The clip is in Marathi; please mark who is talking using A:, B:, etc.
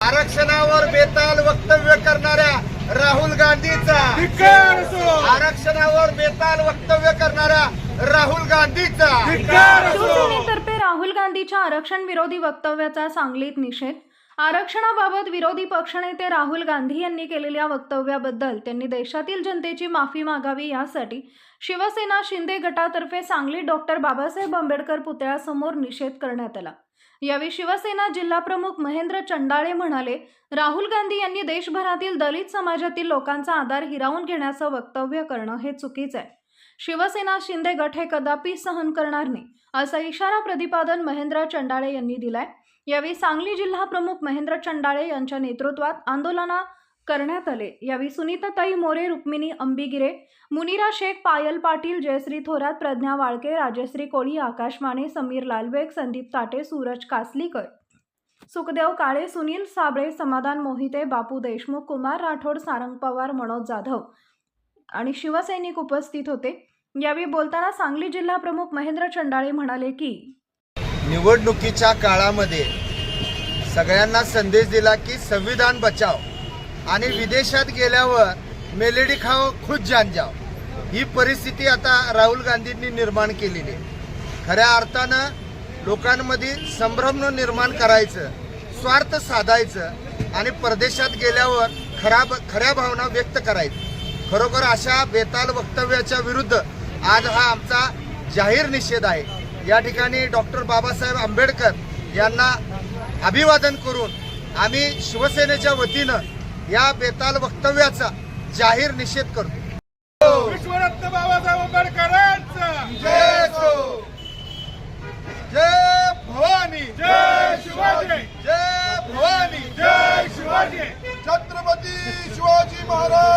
A: आरक्षणावर बेताल वक्तव्य करणाऱ्या राहुल गांधीचा आरक्षणावर बेताल वक्तव्य करणाऱ्या राहुल गांधीचा
B: शिवसेनेतर्फे राहुल गांधीच्या आरक्षण विरोधी वक्तव्याचा सांगलीत निषेध. आरक्षणाबाबत विरोधी पक्षनेते राहुल गांधी यांनी केलेल्या वक्तव्याबद्दल त्यांनी देशातील जनतेची माफी मागावी यासाठी शिवसेना शिंदे गटातर्फे सांगलीत डॉक्टर बाबासाहेब आंबेडकर पुतळ्यासमोर निषेध करण्यात आला. यावेळी शिवसेना जिल्हाप्रमुख महेंद्र चंडाळे म्हणाले, राहुल गांधी यांनी देशभरातील दलित समाजातील लोकांचा आधार हिरावून घेण्याचं वक्तव्य करणं हे चुकीचं आहे. शिवसेना शिंदे गट हे कदापि सहन करणार नाही असा इशारा प्रतिपादन महेंद्र चंडाळे यांनी दिलाय. यावेळी सांगली जिल्हा प्रमुख महेंद्र चंडाळे यांच्या नेतृत्वात आंदोलन करण्यात आले. यावेळी सुनीताताई मोरे, रुक्मिणी अंबिगिरे, मुनिरा शेख, पायल पाटील, जयश्री थोरात, प्रज्ञा वाळके, राजश्री कोळी, आकाश माने, समीर लालबेग, संदीप ताटे, सूरज कासलीकर, सुखदेव काळे, सुनील साबळे, समाधान मोहिते, बापू देशमुख, कुमार राठोड, सारंग पवार, मनोज जाधव आणि शिवसैनिक उपस्थित होते. यावेळी बोलताना सांगली जिल्हा प्रमुख महेंद्र चंडाळे म्हणाले की
A: निवडणुकीच्या काळामध्ये सगळ्यांना संदेश दिला की संविधान बचाव आणि विदेशात गेल्यावर मेलेडी खाओ खुद जान जाओ, ही परिस्थिती आता राहुल गांधींनी निर्माण केलेली आहे. खऱ्या अर्थानं लोकांमध्ये संभ्रम निर्माण करायचं, स्वार्थ साधायचं आणि परदेशात गेल्यावर खऱ्या भावना व्यक्त करायचं. खरोखर अशा बेताल वक्तव्याच्या विरुद्ध आज हा आमचा जाहीर निषेध आहे. या ठिकाणी डॉक्टर बाबासाहेब आंबेडकर यांना अभिवादन करून आम्ही शिवसेनेच्या वतीनं या बेताल वक्तव्याचा जाहीर निषेध करतो.
C: विश्वरत्न बाबासाहेब आंबेडकरांचा
A: जय हो, जय भवानी,
C: जय शिवाजी,
A: जय भवानी,
C: जय शिवाजी.
A: छत्रपती शिवाजी महाराज.